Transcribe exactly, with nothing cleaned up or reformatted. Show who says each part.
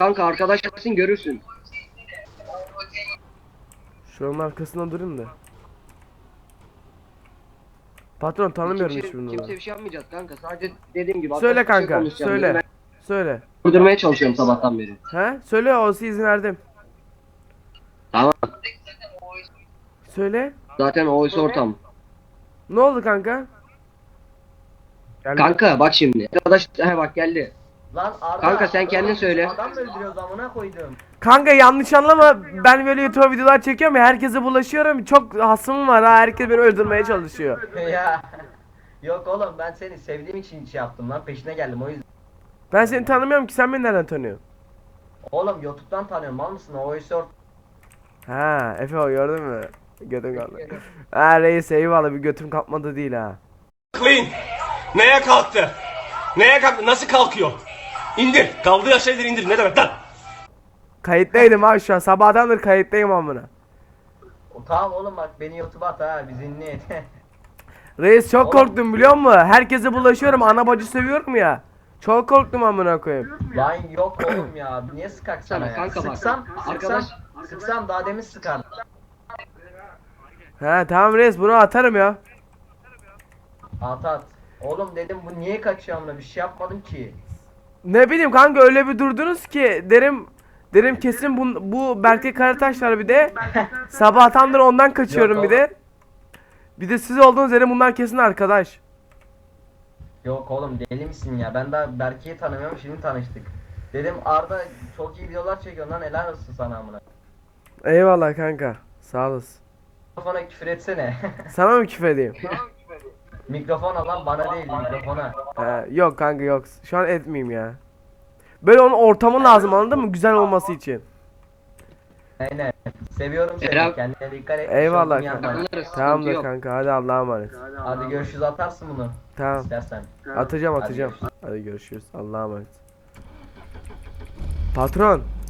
Speaker 1: Kanka arkadaşsın görürsün.
Speaker 2: Şuranın arkasında durayım da. Patron tanımıyorum
Speaker 1: Kimse,
Speaker 2: hiçbirini.
Speaker 1: kimse bir şey yapmayacağız kanka. Sadece dediğim gibi
Speaker 2: Söyle
Speaker 1: arkadaşça
Speaker 2: kanka,
Speaker 1: konuşacağım.
Speaker 2: söyle.
Speaker 1: Ben
Speaker 2: Söyle.
Speaker 1: durdurmaya çalışıyorum sabahtan beri.
Speaker 2: He? Söyle, olsa izin verdim.
Speaker 1: Tamam.
Speaker 2: Söyle.
Speaker 1: Zaten o oysa ortam.
Speaker 2: Ne oldu kanka? Geldi.
Speaker 1: Kanka bak şimdi. Arkadaş he bak geldi.
Speaker 3: Lan Arda,
Speaker 1: Kanka sen kendin söyle.
Speaker 3: Adam mı öldürüyoruz amına koydum.
Speaker 2: Kanka yanlış anlama, ben böyle YouTube videolar çekiyorum ya, herkese bulaşıyorum, çok hasımım var ha, herkes beni öldürmeye çalışıyor.
Speaker 3: Ya. Yok oğlum, ben seni sevdiğim için şey yaptım lan, peşine geldim o yüzden.
Speaker 2: Ben seni tanımıyorum ki, sen beni nereden tanıyorsun?
Speaker 3: Oğlum YouTube'dan tanıyorum, mal mısın? O oysa or-
Speaker 2: Ha Efe, o gördün mü? Götüm kaldı. Ha reis, eyvallah, bir götüm kalkmadı değil ha.
Speaker 4: Clean. Neye kalktı? Neye kalktı? Nasıl kalkıyor? İndir. Kaldığı şeyleri indir. Ne demek lan?
Speaker 2: Kayıttaydım abi, şu an sabahtandır kayıttayım amına.
Speaker 3: O, tamam oğlum bak, beni YouTube'a at ha, biz ünlü et.
Speaker 2: Reis çok
Speaker 3: Oğlum.
Speaker 2: korktum biliyor musun? Herkese bulaşıyorum, ana bacı seviyorum ya. Çok korktum amına koyayım.
Speaker 3: Lan yok oğlum ya, niye sıkak sana ya?
Speaker 1: Kanka bak,
Speaker 3: Sıksam, sıksam,
Speaker 1: arkadaş-
Speaker 3: sıksam daha demin sıkardım.
Speaker 2: Ha tamam reis, bunu atarım ya.
Speaker 3: At at. Oğlum dedim, bu niye kaçıyor amına, bir şey yapmadım ki.
Speaker 2: Ne bileyim kanka, öyle bir durdunuz ki derim derim kesin bu, bu Berke Karataş var bir de. Sabahtandır ondan kaçıyorum
Speaker 3: Yok
Speaker 2: bir de. Bir de siz olduğunuz yere bunlar kesin arkadaş.
Speaker 3: Yok oğlum, deli misin ya? Ben daha Berke'yi tanımıyorum, şimdi tanıştık. Dedim Arda çok iyi videolar çekiyor lan, helal olsun sana amına.
Speaker 2: Eyvallah kanka, sağ olasın.
Speaker 3: Mikrofona küfür etsene.
Speaker 2: Sana mı küfür edeyim?
Speaker 3: Mikrofona lan, bana değil mikrofona.
Speaker 2: Ha, yok kanka yok, şu an etmeyeyim ya. Böyle onun ortamı lazım, anladın mı, güzel olması için.
Speaker 3: Aynen. Seviyorum seni.
Speaker 1: Eren-
Speaker 3: Kendine dikkat et.
Speaker 2: Eyvallah
Speaker 3: Şokunu yapma.
Speaker 2: kanka.
Speaker 1: Anlarız,
Speaker 2: Tamamdır
Speaker 1: sıkıntı yok.
Speaker 2: kanka, hadi Allah'a emanet.
Speaker 3: Hadi görüşürüz, atarsın bunu.
Speaker 2: Tamam,
Speaker 3: İstersen.
Speaker 2: atacağım
Speaker 3: Hadi
Speaker 2: atacağım.
Speaker 3: görüşürüz.
Speaker 2: Hadi görüşürüz, Allah'a emanet. Patron.